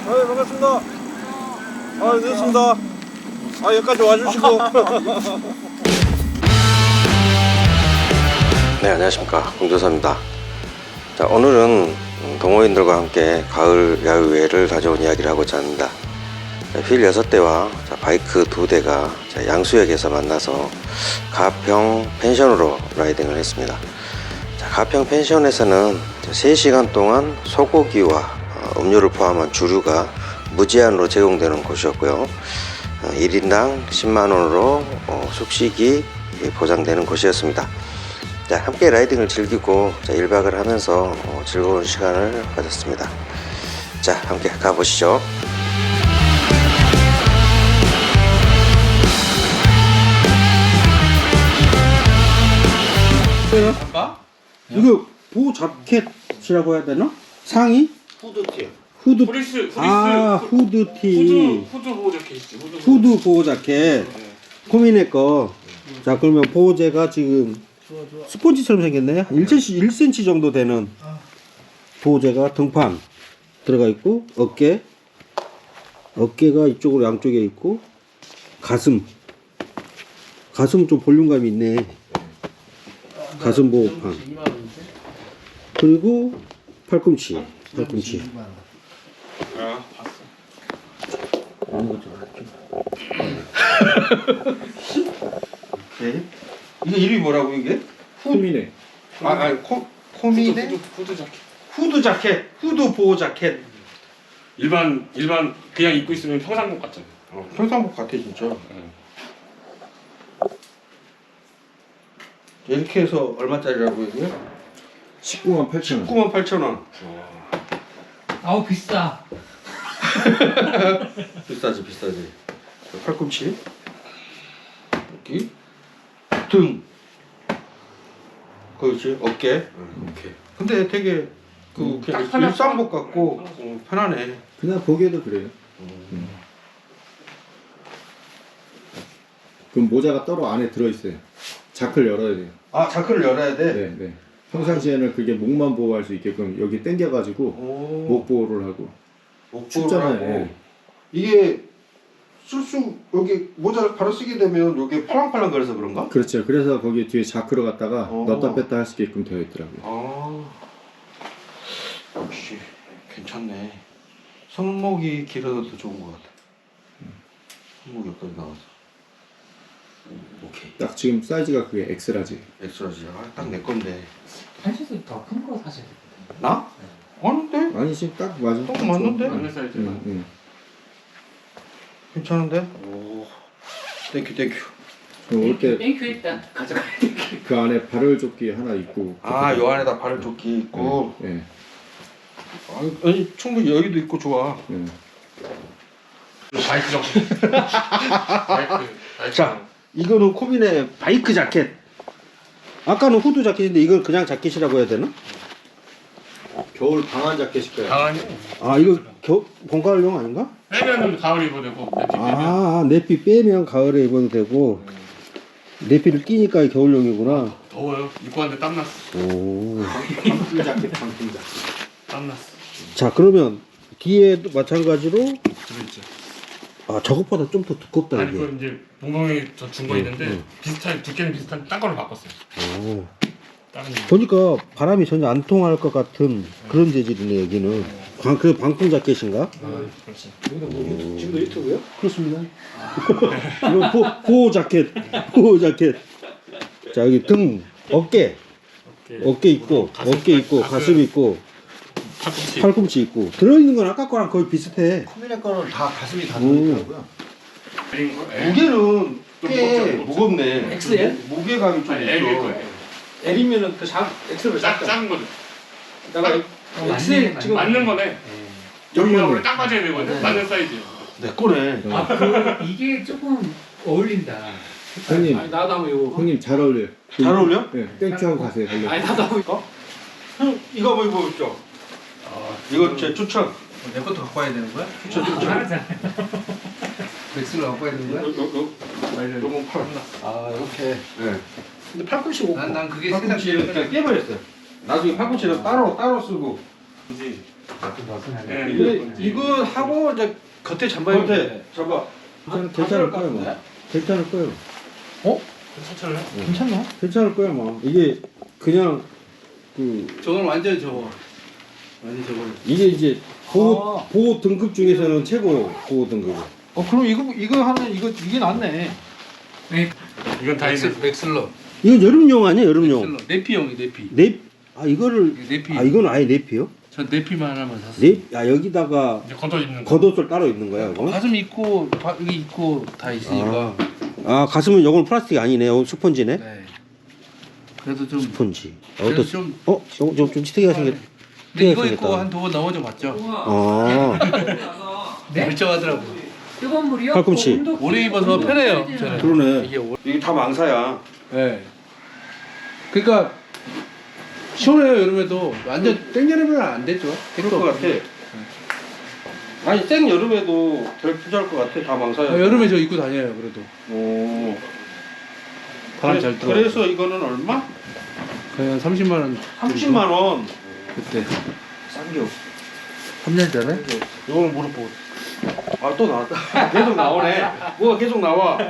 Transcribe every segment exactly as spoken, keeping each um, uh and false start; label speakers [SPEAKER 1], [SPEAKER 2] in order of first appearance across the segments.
[SPEAKER 1] 네, 반갑습니다. 아, 늦었습니다. 아, 여기까지 와주시고.
[SPEAKER 2] 네, 안녕하십니까, 홍조사입니다. 자, 오늘은 동호인들과 함께 가을 야외를 가져온 이야기를 하고자 합니다. 휠 여섯 대와 바이크 두 대가 양수역에서 만나서 가평 펜션으로 라이딩을 했습니다. 자, 가평 펜션에서는 세 시간 동안 소고기와 음료를 포함한 주류가 무제한으로 제공되는 곳이었고요. 일 인당 십만 원으로 숙식이 보장되는 곳이었습니다. 자, 함께 라이딩을 즐기고 일 박을 하면서 즐거운 시간을 가졌습니다. 자, 함께 가보시죠.
[SPEAKER 1] 아까? 이거 보호 자켓이라고 해야 되나? 상의?
[SPEAKER 3] 후드티.
[SPEAKER 1] 후드.
[SPEAKER 3] 프리스, 프리스.
[SPEAKER 1] 아, 후드티.
[SPEAKER 3] 후드, 후드 보호 자켓이지. 후드,
[SPEAKER 1] 후드 보호 자켓.
[SPEAKER 3] 네.
[SPEAKER 1] 코미네 거. 자, 그러면 보호제가 지금 스폰지처럼 생겼네. 일 센티미터, 일 센티미터 정도 되는 보호제가 등판 들어가 있고, 어깨. 어깨가 이쪽으로 양쪽에 있고, 가슴. 가슴은 좀 볼륨감이 있네. 가슴 보호판. 그리고 팔꿈치. 팔꿈치.
[SPEAKER 3] 아, 봤어.
[SPEAKER 1] 오케이. 이게 이름이 뭐라고 이게?
[SPEAKER 4] 코미네.
[SPEAKER 1] 아, 아니 코 코미네?
[SPEAKER 3] 후드, 후드, 후드 자켓.
[SPEAKER 1] 후드 자켓. 후드 보호 자켓.
[SPEAKER 3] 일반, 일반, 그냥 입고 있으면 평상복 같잖아.
[SPEAKER 1] 어, 평상복 같아 진짜.
[SPEAKER 3] 응.
[SPEAKER 1] 이렇게 해서 얼마짜리라고 이게?
[SPEAKER 4] 십구만 팔천 원.
[SPEAKER 1] 십구만 팔천 원.
[SPEAKER 5] 아우 비싸.
[SPEAKER 1] 비싸지 비싸지. 팔꿈치. 여기 등. 그렇지 어깨.
[SPEAKER 3] 오케이.
[SPEAKER 1] 근데 되게 그
[SPEAKER 3] 음,
[SPEAKER 1] 그냥
[SPEAKER 3] 딱 편해.
[SPEAKER 1] 일상복 같고 어, 편하네.
[SPEAKER 4] 그냥 보기에도 그래요. 음. 그럼 모자가 따로 안에 들어있어요. 자크를 열어야 돼요.
[SPEAKER 1] 아 자크를 열어야 돼.
[SPEAKER 4] 네, 네. 평상시에는 그게 목만 보호할 수 있게끔 여기 당겨가지고
[SPEAKER 1] 오.
[SPEAKER 4] 목 보호를 하고.
[SPEAKER 1] 목보호를
[SPEAKER 4] 춥잖아요.
[SPEAKER 1] 하고.
[SPEAKER 4] 예.
[SPEAKER 1] 이게 쓸수 여기 모자를 바로 쓰게 되면 여기 팔랑팔랑 거려서 그런가?
[SPEAKER 4] 그렇죠. 그래서 거기 뒤에 자크로 갖다가
[SPEAKER 1] 오.
[SPEAKER 4] 넣었다 뺐다 할 수 있게끔 되어 있더라고요.
[SPEAKER 1] 아 역시 괜찮네. 손목이 길어도 더 좋은 것 같아. 손목이 여기까지 나와서. 오케이.
[SPEAKER 4] 딱 지금 사이즈가 그게 엑스라지.
[SPEAKER 1] 엑스라지. 아, 딱 내 건데.
[SPEAKER 5] 한시도 더 큰 거 사셔야 되거든요.
[SPEAKER 1] 나? 아닌데?
[SPEAKER 4] 아니 지금 딱 맞아.
[SPEAKER 1] 딱 맞는데?
[SPEAKER 3] 맞는 사이즈가.
[SPEAKER 4] 응, 응.
[SPEAKER 1] 괜찮은데? 오. 땡큐 땡큐.
[SPEAKER 4] 올때
[SPEAKER 5] 땡큐 일단 가져가야 돼.
[SPEAKER 4] 그 안에 발열 조끼 하나 있고.
[SPEAKER 1] 아, 요 안에다 발을 조끼 있고.
[SPEAKER 4] 예. 네.
[SPEAKER 1] 아니, 아니 충분히 여기도 있고 좋아.
[SPEAKER 4] 네.
[SPEAKER 3] 바이크 자켓. 바이크, 바이크.
[SPEAKER 1] 자, 이거는 코빈의 바이크 자켓. 아까는 후드 자켓인데 이건 그냥 자켓이라고 해야 되나?
[SPEAKER 4] 겨울 방한 자켓일 거예요.
[SPEAKER 3] 강아지.
[SPEAKER 1] 아, 이거 겨, 봄가을용 아닌가?
[SPEAKER 3] 빼면은 가을 입어도 되고, 내티 빼면.
[SPEAKER 1] 아, 내피 빼면 가을에 입어도 되고 내피를 끼니까 겨울용이구나.
[SPEAKER 3] 더워요. 입고 왔는데 땀났어.
[SPEAKER 1] 오.
[SPEAKER 4] 방풍 자켓, 방풍 자켓.
[SPEAKER 3] 땀났어.
[SPEAKER 1] 자, 그러면 뒤에도 마찬가지로
[SPEAKER 3] 들어있죠.
[SPEAKER 1] 아, 저것보다 좀 더 두껍다
[SPEAKER 3] 아니,
[SPEAKER 1] 이게.
[SPEAKER 3] 그 이제 봉봉이 저 준 거
[SPEAKER 1] 응,
[SPEAKER 3] 있는데,
[SPEAKER 1] 응.
[SPEAKER 3] 비슷한, 두께는 비슷한 딴 거로 바꿨어요.
[SPEAKER 1] 오.
[SPEAKER 3] 다른
[SPEAKER 1] 보니까 바람이 전혀 안 통할 것 같은 그런 재질이네 여기는. 방, 그 방풍 자켓인가?
[SPEAKER 3] 아, 그렇지.
[SPEAKER 4] 지금도 유튜브요?
[SPEAKER 1] 그렇습니다. 이거 보, 보호 자켓, 보호 자켓. 자, 여기 등, 어깨, 어깨 있고,
[SPEAKER 3] 가슴,
[SPEAKER 1] 어깨 있고,
[SPEAKER 3] 가슴.
[SPEAKER 1] 가슴 있고,
[SPEAKER 3] 팔꿈치.
[SPEAKER 1] 팔꿈치 있고. 들어있는 건 아까 거랑 거의 비슷해.
[SPEAKER 4] 코미네 거는 다 가슴이 다
[SPEAKER 1] 오.
[SPEAKER 4] 들어있더라고요.
[SPEAKER 1] 무게는 꽤
[SPEAKER 3] 무겁죠, 무겁죠.
[SPEAKER 1] 무겁네.
[SPEAKER 5] 엑스엘?
[SPEAKER 1] 무게감이 좀
[SPEAKER 3] 아니,
[SPEAKER 1] 있어.
[SPEAKER 3] L일 거예요.
[SPEAKER 5] L이면은 그 작, X로
[SPEAKER 3] 작, 작은 거죠.
[SPEAKER 5] 내가 엑스엘 지금
[SPEAKER 3] 맞는 거네. 여기가 원래 딱 맞아야 되거든. 맞는 사이즈.
[SPEAKER 1] 내 거네.
[SPEAKER 5] 아, 그 이게 조금 어울린다.
[SPEAKER 4] 형님,
[SPEAKER 5] 아니 나도 한번 이거.
[SPEAKER 4] 형님 잘 어울려요.
[SPEAKER 1] 잘 어울려?
[SPEAKER 4] 네, 땡큐하고 가세요. 달려.
[SPEAKER 5] 아니 나도 한번 이거.
[SPEAKER 1] 형, 이거 한번 입어보십시오. 이거 제 추천.
[SPEAKER 6] 내 것도 갖고 와야 되는 거야?
[SPEAKER 1] 추천, 추천.
[SPEAKER 5] 하잖아.
[SPEAKER 6] 백수를 갖고 와야 되는
[SPEAKER 1] 요,
[SPEAKER 6] 거야?
[SPEAKER 1] 요, 요, 요건 팔.
[SPEAKER 6] 아 이렇게.
[SPEAKER 1] 네. 근데 팔꿈치 못.
[SPEAKER 6] 난, 난 그게
[SPEAKER 1] 팔꿈치를
[SPEAKER 6] 생각이
[SPEAKER 1] 그냥 깨버렸어요. 나중에 팔꿈치를 따로 따로 쓰고.
[SPEAKER 5] 좀 벗어나게.
[SPEAKER 3] 예.
[SPEAKER 6] 이거 이거 하고 이제 겉에 잠바입
[SPEAKER 1] 겉에 잠바. 괜찮, 괜찮을 거예요, 뭐. 괜찮을 거예요.
[SPEAKER 3] 괜찮아요?
[SPEAKER 6] 괜찮나?
[SPEAKER 1] 괜찮을 거예요, 뭐. 이게 그냥 그
[SPEAKER 6] 저건 완전 저거. 완전 저거.
[SPEAKER 1] 이게 이제 보호
[SPEAKER 6] 아.
[SPEAKER 1] 보호 등급 중에서는 최고 보호 등급.
[SPEAKER 6] 어 그럼 이거 이거 하면 이거 이게 낫네.
[SPEAKER 5] 네.
[SPEAKER 3] 이건 다
[SPEAKER 6] 맥스,
[SPEAKER 3] 있는.
[SPEAKER 6] 맥슬러.
[SPEAKER 1] 이건 여름용 아니에요, 여름용.
[SPEAKER 6] 맥슬러. 네피용이 네피.
[SPEAKER 1] 넵. 아 이거를
[SPEAKER 6] 이게 네피.
[SPEAKER 1] 아 이건 아예 넵이요?
[SPEAKER 6] 저 네피만 하나만 샀어.
[SPEAKER 1] 넵. 아 여기다가
[SPEAKER 3] 이제 겉옷 입는 거.
[SPEAKER 1] 겉옷을 따로 입는 거야, 이거?
[SPEAKER 6] 가슴 있고 바, 여기 있고 다 있으니까.
[SPEAKER 1] 아 가슴은 이건 플라스틱 아니네, 요 스펀지네.
[SPEAKER 6] 네. 그래도 좀.
[SPEAKER 1] 스펀지.
[SPEAKER 6] 그래도
[SPEAKER 1] 어떤?
[SPEAKER 6] 좀.
[SPEAKER 1] 어, 좀 좀 좀 치트기가 생겼.
[SPEAKER 6] 근데 이거
[SPEAKER 1] 생겼다.
[SPEAKER 6] 입고 한 두 번 넘어져 봤죠.
[SPEAKER 1] 아,
[SPEAKER 5] 네?
[SPEAKER 6] 멀쩡하더라고.
[SPEAKER 5] 뜨거운 물이요?
[SPEAKER 1] 팔꿈치.
[SPEAKER 5] 어, 온도-
[SPEAKER 6] 오래 입어서
[SPEAKER 5] 온도
[SPEAKER 6] 편해요.
[SPEAKER 5] 빼야
[SPEAKER 6] 저는.
[SPEAKER 5] 되잖아요.
[SPEAKER 1] 그러네.
[SPEAKER 6] 이게 오...
[SPEAKER 1] 이게 다 망사야.
[SPEAKER 6] 네. 그러니까 시원해요 여름에도. 완전 땡여름에는 안 되죠.
[SPEAKER 1] 그럴 것 같아. 아니 생 여름에도 덜 부자할 것 같아. 다 망사야.
[SPEAKER 6] 아, 여름에 저 입고 다녀요 그래도.
[SPEAKER 1] 오.
[SPEAKER 6] 바람
[SPEAKER 1] 그래,
[SPEAKER 6] 잘 들어.
[SPEAKER 1] 그래서 이거는 얼마?
[SPEAKER 6] 거의 한 삼십만 원.
[SPEAKER 1] 삼십만 원.
[SPEAKER 6] 그때.
[SPEAKER 1] 싼겨.
[SPEAKER 6] 삼 년 전에?
[SPEAKER 1] 이거는 무릎 보고. 아 또 나왔다. 계속 나오네. 뭐가 계속 나와.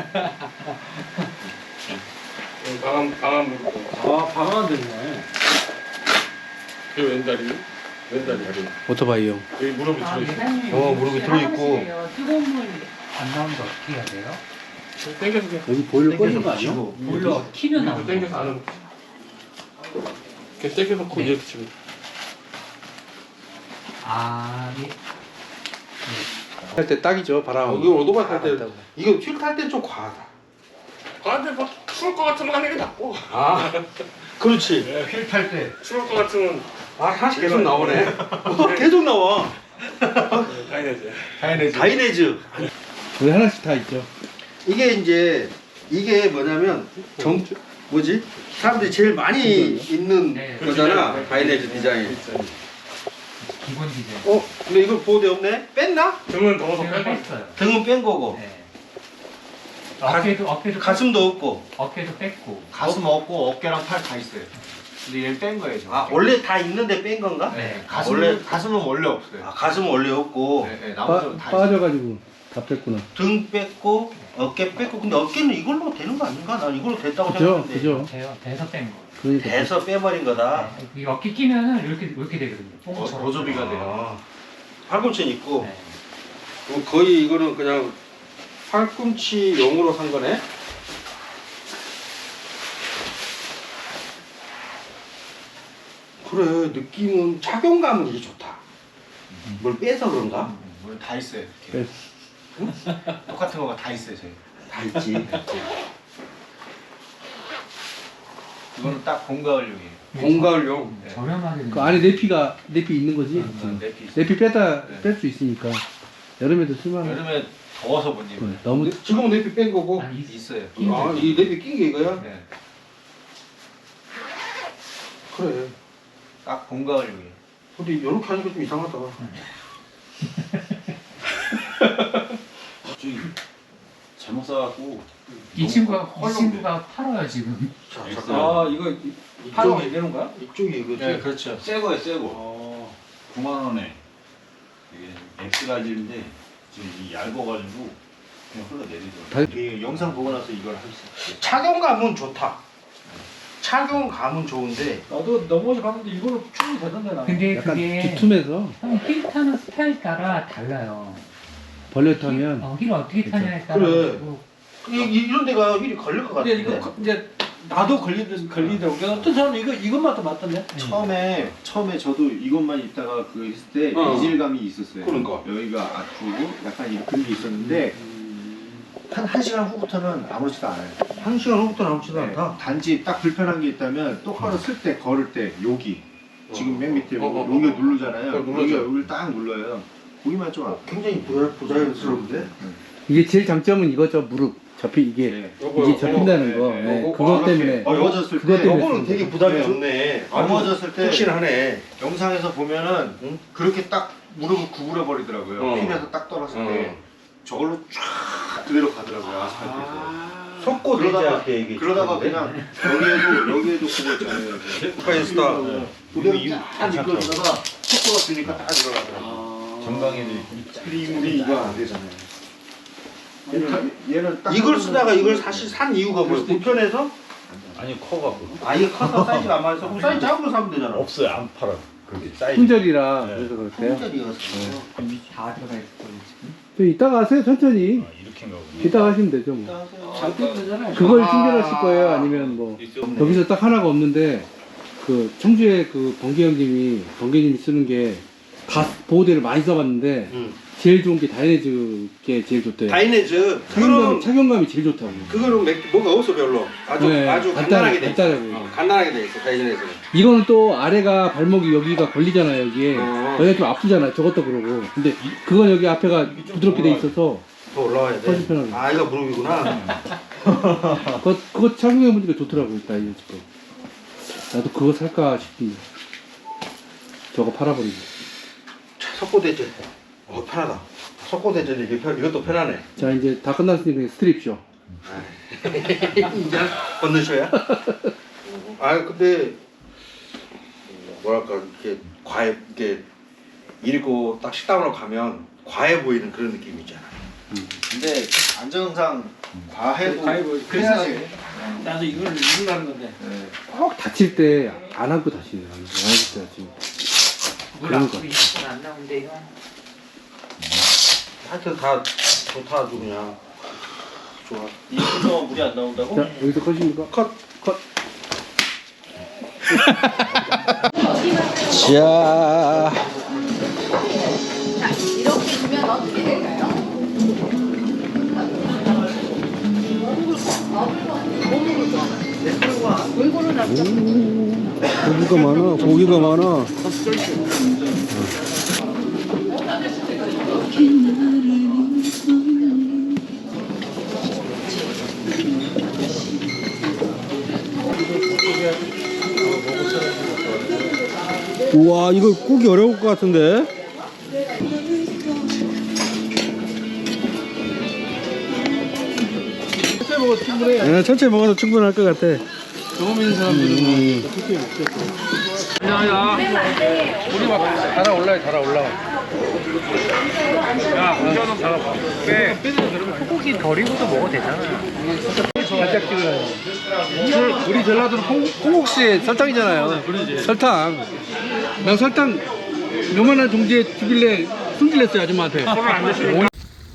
[SPEAKER 3] 방암 방암 무릎.
[SPEAKER 1] 아 방안 됐네.
[SPEAKER 3] 그 왼다리. 왼다리 다리.
[SPEAKER 6] 오토바이용.
[SPEAKER 3] 여기 무릎이
[SPEAKER 5] 아,
[SPEAKER 3] 들어있어.
[SPEAKER 5] 회장님,
[SPEAKER 1] 어, 무릎이 들어있고.
[SPEAKER 5] 하시세요. 뜨거운 물 안 나오는데 어떻게 해야 돼요?
[SPEAKER 3] 땡겨서 그냥.
[SPEAKER 1] 여기 보일러 꺼진 거 아니야?
[SPEAKER 5] 물로 키면
[SPEAKER 3] 이거
[SPEAKER 5] 나오는
[SPEAKER 3] 땡겨서
[SPEAKER 5] 거.
[SPEAKER 3] 안으로. 이렇게 땡겨놓고 이렇게 치면.
[SPEAKER 5] 아, 예.
[SPEAKER 6] 할 때 딱이죠 바람.
[SPEAKER 1] 여기 오토바이 탈 때
[SPEAKER 6] 맞다고.
[SPEAKER 1] 이거 휠 탈 때 좀 과하다.
[SPEAKER 3] 근데 뭐 추울 것 같으면 하는 게 낫고.
[SPEAKER 1] 아, 그렇지.
[SPEAKER 6] 휠 탈 때.
[SPEAKER 3] 추울 것 같으면
[SPEAKER 1] 아 하나씩 계속 나오네. 어, 계속 나와.
[SPEAKER 3] 다이내지.
[SPEAKER 1] 다이내즈.
[SPEAKER 6] 우리 하나씩 다 있죠.
[SPEAKER 1] 이게 이제 이게 뭐냐면 정 뭐지? 사람들이 제일 많이 입는
[SPEAKER 5] 네.
[SPEAKER 1] 거잖아. 다이내즈 디자인.
[SPEAKER 5] 기본 디자인.
[SPEAKER 1] 어, 근데 이걸 보호대 없네? 뺐나?
[SPEAKER 3] 등은 더워서
[SPEAKER 5] 제가
[SPEAKER 3] 빼고.
[SPEAKER 5] 뺐어요.
[SPEAKER 1] 등은 뺀 거고.
[SPEAKER 5] 네. 어깨도 어깨도
[SPEAKER 1] 가슴도 없고.
[SPEAKER 5] 뺐- 어깨도 뺐고.
[SPEAKER 4] 가슴 없고 어깨랑 팔 다 있어요. 근데 얘를 뺀 거예요. 저.
[SPEAKER 1] 아 원래 다 있는데 뺀 건가?
[SPEAKER 5] 네.
[SPEAKER 4] 가슴
[SPEAKER 1] 원래-
[SPEAKER 4] 원래 가슴은 원래 없어요.
[SPEAKER 1] 아 가슴은 원래 없고
[SPEAKER 4] 네, 네,
[SPEAKER 6] 빠,
[SPEAKER 4] 나머지는 다 있어요.
[SPEAKER 6] 빠져가지고 다 뺐구나.
[SPEAKER 1] 등 뺐고 어깨 뺐고 근데 어깨는 이걸로 되는 거 아닌가? 난 이걸로 됐다고
[SPEAKER 6] 그죠?
[SPEAKER 1] 생각했는데
[SPEAKER 6] 그죠?
[SPEAKER 5] 돼요. 돼서 뺀 거.
[SPEAKER 6] 그러니까.
[SPEAKER 1] 돼서 빼버린 거다.
[SPEAKER 5] 네. 이 어깨 끼면은 이렇게 이렇게 되거든요.
[SPEAKER 4] 어,
[SPEAKER 5] 뽕처럼.
[SPEAKER 4] 보조비가 돼요.
[SPEAKER 1] 아, 팔꿈치는 있고
[SPEAKER 5] 네.
[SPEAKER 1] 그럼 거의 이거는 그냥 팔꿈치용으로 산 거네. 그래 느낌은 착용감은 이게 좋다. 뭘 빼서 그런가?
[SPEAKER 4] 뭘 다 있어요. 이렇게. 똑같은 거가 다 있어요. 저희.
[SPEAKER 1] 다 있지.
[SPEAKER 4] 이거는 딱 봄가을용이에요.
[SPEAKER 1] 봄가을용.
[SPEAKER 4] 네.
[SPEAKER 5] 저렴하게.
[SPEAKER 6] 그 안에 내피가 내피 있는 거지.
[SPEAKER 4] 음, 내피 있어요.
[SPEAKER 6] 내피 빼다
[SPEAKER 4] 네.
[SPEAKER 6] 뺄 수 있으니까 여름에도 쓸만해.
[SPEAKER 4] 여름에 더워서 못 입어요.
[SPEAKER 6] 네, 너무
[SPEAKER 1] 지금은 내비 뺀 거고.
[SPEAKER 5] 아니, 있-
[SPEAKER 4] 있어요.
[SPEAKER 1] 아, 이 내비 낀 게 이거야?
[SPEAKER 4] 네.
[SPEAKER 1] 그래.
[SPEAKER 4] 딱 봄가을용이에요.
[SPEAKER 1] 근데 이렇게 하니까 좀 이상하다.
[SPEAKER 7] 저기 잘못 사갖고
[SPEAKER 5] 이 친구가 이
[SPEAKER 7] 헐렁대.
[SPEAKER 5] 친구가 팔아요 지금.
[SPEAKER 1] 자,
[SPEAKER 7] 엑스.
[SPEAKER 1] 잠깐.
[SPEAKER 7] 아,
[SPEAKER 1] 이거
[SPEAKER 7] 팔로
[SPEAKER 1] 되는 거야? 이쪽이 이거지.
[SPEAKER 4] 네, 그렇죠.
[SPEAKER 7] 새 거예요, 새 거.
[SPEAKER 1] 어.
[SPEAKER 7] 구만 원에 이게 엑스 가지인데 지금 이 얇아가지고 그냥 흘러내리더라고.
[SPEAKER 6] 다-
[SPEAKER 4] 이 영상 보고 나서 이걸 할 수 있어요.
[SPEAKER 1] 착용감은 좋다. 착용감은 좋은데
[SPEAKER 6] 나도 넘어져 가는데 이거는 충분히 되던데 나.
[SPEAKER 5] 근데
[SPEAKER 6] 약간
[SPEAKER 5] 그게
[SPEAKER 6] 두툼해서
[SPEAKER 5] 힐 타는 스타일 따라 달라요.
[SPEAKER 6] 벌려 타면.
[SPEAKER 5] 어, 힐을 어떻게 타냐에 따라
[SPEAKER 1] 그래.
[SPEAKER 5] 가지고
[SPEAKER 1] 이, 이- 이런 데가 휠이 걸릴 것 같은데.
[SPEAKER 6] 근데 이거 이제 나도 걸리든 걸리더라고. 그러니까 어떤 사람은 이거 이것만 더 맞던데.
[SPEAKER 4] 처음에 처음에 저도 이것만 입다가 그 했을 때
[SPEAKER 1] 어.
[SPEAKER 4] 이질감이 있었어요.
[SPEAKER 1] 그런가.
[SPEAKER 4] 여기가 아프고 약간 이런 그런 게 있었는데 한 한 시간 후부터는 아무렇지도 않아요.
[SPEAKER 1] 한 시간 후부터 나오지도
[SPEAKER 4] 네,
[SPEAKER 1] 않다.
[SPEAKER 4] 단지 딱 불편한 게 있다면 똑바로 쓸 때 걸을 때 여기 지금 맨 밑에
[SPEAKER 1] 어, 어, 어.
[SPEAKER 4] 여기가 누르잖아요.
[SPEAKER 1] 그걸 눌러줘.
[SPEAKER 4] 여기가 여기를 딱 눌러요. 거기만 좀 아파.
[SPEAKER 1] 굉장히 부자, 부자연스러운데?
[SPEAKER 6] 이게 제일 장점은 이거죠. 무릎 접히 이게
[SPEAKER 4] 네.
[SPEAKER 6] 이게 접힌다는
[SPEAKER 4] 네,
[SPEAKER 6] 거.
[SPEAKER 4] 네,
[SPEAKER 6] 네,
[SPEAKER 1] 네.
[SPEAKER 6] 그것
[SPEAKER 1] 아,
[SPEAKER 6] 때문에.
[SPEAKER 1] 어,
[SPEAKER 4] 넘어졌을
[SPEAKER 6] 그것
[SPEAKER 4] 때
[SPEAKER 6] 때문에
[SPEAKER 1] 요거는 되게 부담이
[SPEAKER 4] 네.
[SPEAKER 1] 좋네.
[SPEAKER 4] 넘어졌을 때
[SPEAKER 1] 푹신하네.
[SPEAKER 4] 영상에서 보면은
[SPEAKER 1] 응?
[SPEAKER 4] 그렇게 딱 무릎을 구부려 버리더라고요.
[SPEAKER 1] 어.
[SPEAKER 4] 휠에서 딱 떨었을
[SPEAKER 1] 어.
[SPEAKER 4] 때 저걸로 쫙 그대로 가더라고요. 아스팔트에서.
[SPEAKER 1] 아, 석고
[SPEAKER 4] 그러다가
[SPEAKER 1] 대제할 때 이게
[SPEAKER 4] 그러다가 그냥 여기에도 여기에도 그거 있잖아요.
[SPEAKER 1] 스타
[SPEAKER 4] 그대로 딱 이끌다가 속도가 주니까 딱 들어가더라고.
[SPEAKER 7] 정강이도
[SPEAKER 4] 우리 이거 안 되잖아요. 얘는 얘는 딱
[SPEAKER 1] 이걸 쓰다가 이걸 사실 산 이유가 뭐예요? 불편해서?
[SPEAKER 7] 아니 커갖고
[SPEAKER 1] 아 이게 커서 사이즈가 안 맞아서 그럼 사이즈 작은 거 사면 되잖아.
[SPEAKER 7] 없어요 안 팔아. 그렇게 사이즈.
[SPEAKER 6] 품절이라
[SPEAKER 7] 네.
[SPEAKER 6] 그래서 그렇대요.
[SPEAKER 4] 품절이어서.
[SPEAKER 5] 다 들어가 있을 거예요 지금.
[SPEAKER 6] 저 이따가 하세요 천천히.
[SPEAKER 7] 아, 이렇게인가 보네.
[SPEAKER 6] 이따가 하시면 되죠 뭐.
[SPEAKER 5] 되잖아요.
[SPEAKER 6] 그걸 충전하실 거예요 아니면 뭐 여기서 딱 하나가 없는데 그 청주에 그 번개 형님이 번개님이 쓰는 게 다 보호대를 많이 써봤는데
[SPEAKER 1] 응.
[SPEAKER 6] 제일 좋은 게 다이내즈 게 제일 좋대요.
[SPEAKER 1] 다이네즈
[SPEAKER 6] 착용감,
[SPEAKER 1] 그거는
[SPEAKER 6] 착용감이 제일 좋다고.
[SPEAKER 1] 그거는 맥- 뭐가 없어 별로. 아주
[SPEAKER 6] 네,
[SPEAKER 1] 아주
[SPEAKER 6] 간단-
[SPEAKER 1] 간단하게 돼 있어.
[SPEAKER 6] 간단하게.
[SPEAKER 1] 어, 간단하게 돼 있어 다이네즈는.
[SPEAKER 6] 이거는 또 아래가 발목이 여기가 걸리잖아요 여기에.
[SPEAKER 1] 어.
[SPEAKER 6] 여기가 좀 아프잖아요 저것도 그러고. 근데 그건 여기 앞에가 부드럽게 돼 있어서
[SPEAKER 1] 더 올라와야 돼.
[SPEAKER 6] 훨씬 편하네.
[SPEAKER 1] 아 이거 무릎이구나.
[SPEAKER 6] 그거, 그거 착용해보니까 좋더라고요 다이내즈 거. 나도 그거 살까 싶은데 저거 팔아버리고.
[SPEAKER 1] 석고 대제. 어 편하다. 석고 대제는 이게 편, 이것도 편하네.
[SPEAKER 6] 자 이제 다 끝났으니까 스트립쇼.
[SPEAKER 1] 이제 건너셔야? 아 근데 뭐랄까 이렇게 과해 이게 읽고 딱 식당으로 가면 과해 보이는 그런 느낌이 있잖아.
[SPEAKER 4] 근데 안정상 과해도
[SPEAKER 6] 과해 보이- 그래서
[SPEAKER 4] 해야지.
[SPEAKER 6] 나도 이걸 읽으려는 건데
[SPEAKER 4] 네.
[SPEAKER 6] 꼭 다칠 때 안 하고 다치네. 안 하고 다치. 그런 거.
[SPEAKER 5] 안 나오는데 이거.
[SPEAKER 1] 하여튼 다 좋다 아주 그냥 좋아.
[SPEAKER 4] 이분 동안 물이 안 나온다고?
[SPEAKER 6] 자 여기서 컷입니까? 컷. 컷.
[SPEAKER 1] 자.
[SPEAKER 8] 이렇게 주면 어떻게 될까요? 골고루 놨죠.
[SPEAKER 1] 고기가 많아. 고기가 많아. 우와 이거 구기 어려울 것 같은데.
[SPEAKER 6] 천천히 먹어도 충분해.
[SPEAKER 1] 네, 천천히 먹어도 충분할 것 같아.
[SPEAKER 6] 경험 있는 사람들은
[SPEAKER 1] 음.
[SPEAKER 6] 천천히 먹겠어. 야야. 우리 막 달아 올라요 달아 올라.
[SPEAKER 3] 야, 운전은 잡아봐. 빼.
[SPEAKER 5] 소고기 버리고도 먹어도 되잖아요.
[SPEAKER 6] 살짝 찍어요. 우리 전라도는 콩, 콩국수에 설탕이잖아요. 설탕. 나 설탕 요만한 종지에 주길래 숨길랬어요 아줌마한테.
[SPEAKER 3] 손을 안 대시고.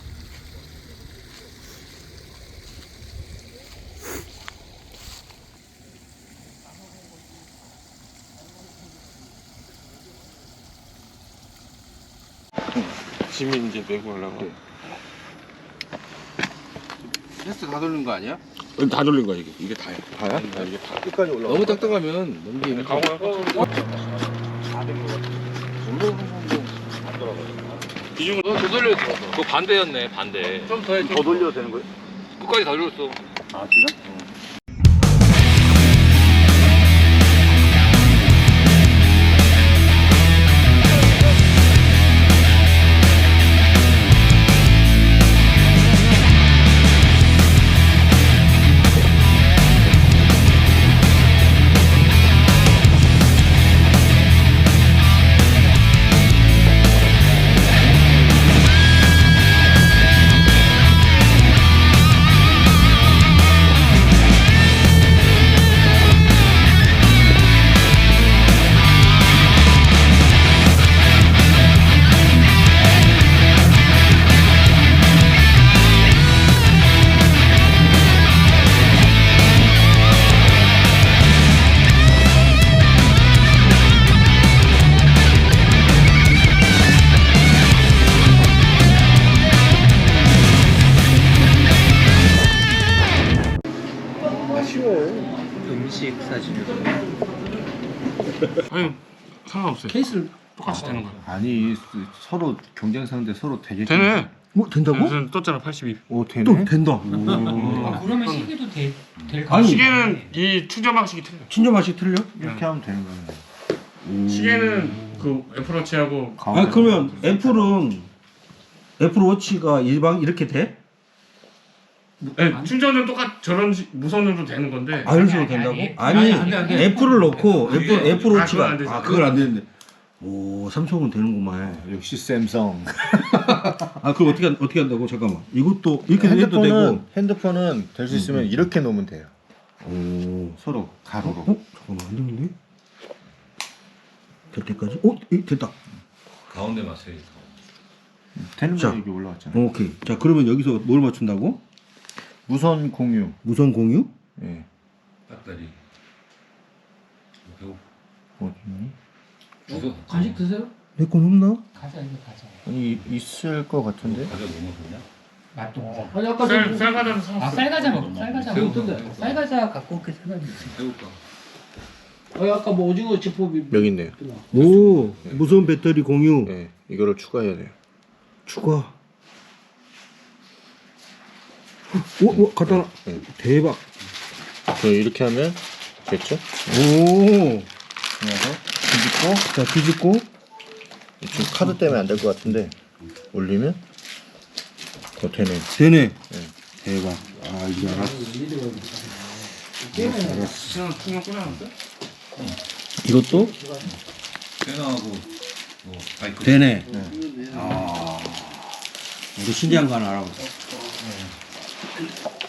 [SPEAKER 3] 짐이 이제 메고 가려고.
[SPEAKER 6] 패스 다 돌린 거 아니야?
[SPEAKER 3] 다 돌린 거야 이게. 이게 다야.
[SPEAKER 6] 다야?
[SPEAKER 3] 이게 다 끝까지 올라.
[SPEAKER 6] 너무 딱딱하면 넘기는 거.
[SPEAKER 3] 기준으로
[SPEAKER 9] 더 돌려. 그거 반대였네, 반대.
[SPEAKER 6] 좀 더 해.
[SPEAKER 3] 더 돌려도 되는 거야?
[SPEAKER 9] 끝까지 다 돌렸어.
[SPEAKER 3] 아 지금?
[SPEAKER 5] 음식 사진.
[SPEAKER 3] 아니 상관없어요.
[SPEAKER 6] 케이스를
[SPEAKER 3] 똑같이 되는 거야.
[SPEAKER 7] 아니 서로 경쟁 상대 서로 되게.
[SPEAKER 3] 되네.
[SPEAKER 1] 뭐 된다고?
[SPEAKER 3] 무슨 떴잖아 팔십이.
[SPEAKER 7] 오 되네.
[SPEAKER 1] 또 된다.
[SPEAKER 5] 아, 그러면 시계도 될, 될
[SPEAKER 1] 아니,
[SPEAKER 3] 시계는 이 충전 방식이 틀려.
[SPEAKER 1] 진짜 맛이 틀려?
[SPEAKER 7] 이렇게 하면 되는 거네.
[SPEAKER 3] 시계는 그 애플워치하고
[SPEAKER 1] 아 그러면 애플은 애플워치가 일방 이렇게 돼?
[SPEAKER 3] 네, 충전은 똑같 저런 식 무선으로 되는 건데.
[SPEAKER 1] 아, 이런 식으로
[SPEAKER 5] 아니,
[SPEAKER 1] 된다고?
[SPEAKER 5] 아니,
[SPEAKER 1] 아니,
[SPEAKER 5] 아니, 안 돼, 안 돼.
[SPEAKER 1] 애플을 넣고 애플
[SPEAKER 3] 그게-
[SPEAKER 1] 애플
[SPEAKER 3] 아,
[SPEAKER 1] 워치가
[SPEAKER 3] 그건 안 되지.
[SPEAKER 1] 아, 그걸 안 되는데. 오, 삼성은 되는구만.
[SPEAKER 4] 역시 샘성.
[SPEAKER 1] 아, 그럼 어떻게 한- 어떻게 한다고? 잠깐만. 이것도 이렇게 해도 되고.
[SPEAKER 4] 핸드폰은 핸드폰은 될 수 있으면 이렇게 놓으면 돼요.
[SPEAKER 1] 오,
[SPEAKER 4] 서로 가로로.
[SPEAKER 1] 어? 잠깐만, 안 되는데? 될 때까지? 어? 이, 됐다.
[SPEAKER 9] 가운데 맞춰야지.
[SPEAKER 4] 되는
[SPEAKER 1] 자.
[SPEAKER 4] 거 여기 올라왔잖아요.
[SPEAKER 1] 오케이. 자, 그러면 여기서 뭘 맞춘다고?
[SPEAKER 4] 무선 공유.
[SPEAKER 1] 무선 공유?
[SPEAKER 4] 예.
[SPEAKER 9] 배터리. 배고.
[SPEAKER 4] 어디니?
[SPEAKER 9] 주소.
[SPEAKER 5] 간식 드세요?
[SPEAKER 1] 내 건 없나?
[SPEAKER 5] 가자 이거 가자.
[SPEAKER 4] 아니 있을 것 같은데.
[SPEAKER 9] 과자 뭐 먹었냐?
[SPEAKER 5] 맛도. 아니 아까
[SPEAKER 3] 쌀 쌀과자도 사왔어.
[SPEAKER 5] 아 쌀과자 먹 쌀과자
[SPEAKER 9] 새우
[SPEAKER 5] 먹던데.
[SPEAKER 9] 먹어.
[SPEAKER 5] 쌀과자 갖고 올게 생각이.
[SPEAKER 9] 배고파.
[SPEAKER 5] 아 아까 뭐 오징어 지포비.
[SPEAKER 4] 여기 있네요.
[SPEAKER 1] 오, 무선 배터리 공유.
[SPEAKER 4] 예. 이거를 추가해야 돼요.
[SPEAKER 1] 추가. 오, 오, 갖다 놔.
[SPEAKER 4] 네.
[SPEAKER 1] 대박.
[SPEAKER 4] 그 이렇게 하면 됐죠?
[SPEAKER 1] 오.
[SPEAKER 4] 그래서 뒤집고
[SPEAKER 1] 자, 뒤집고.
[SPEAKER 4] 지금 카드 때문에 안 될 것 같은데 올리면 더 되네.
[SPEAKER 1] 되네.
[SPEAKER 4] 네.
[SPEAKER 1] 대박. 아, 이제 알았어.
[SPEAKER 3] 그냥 그냥 꽂아놨어?
[SPEAKER 1] 이것도
[SPEAKER 9] 빼나하고 뭐 바이크.
[SPEAKER 1] 되네. 아. 우리 신기한 거 하나 알아보자.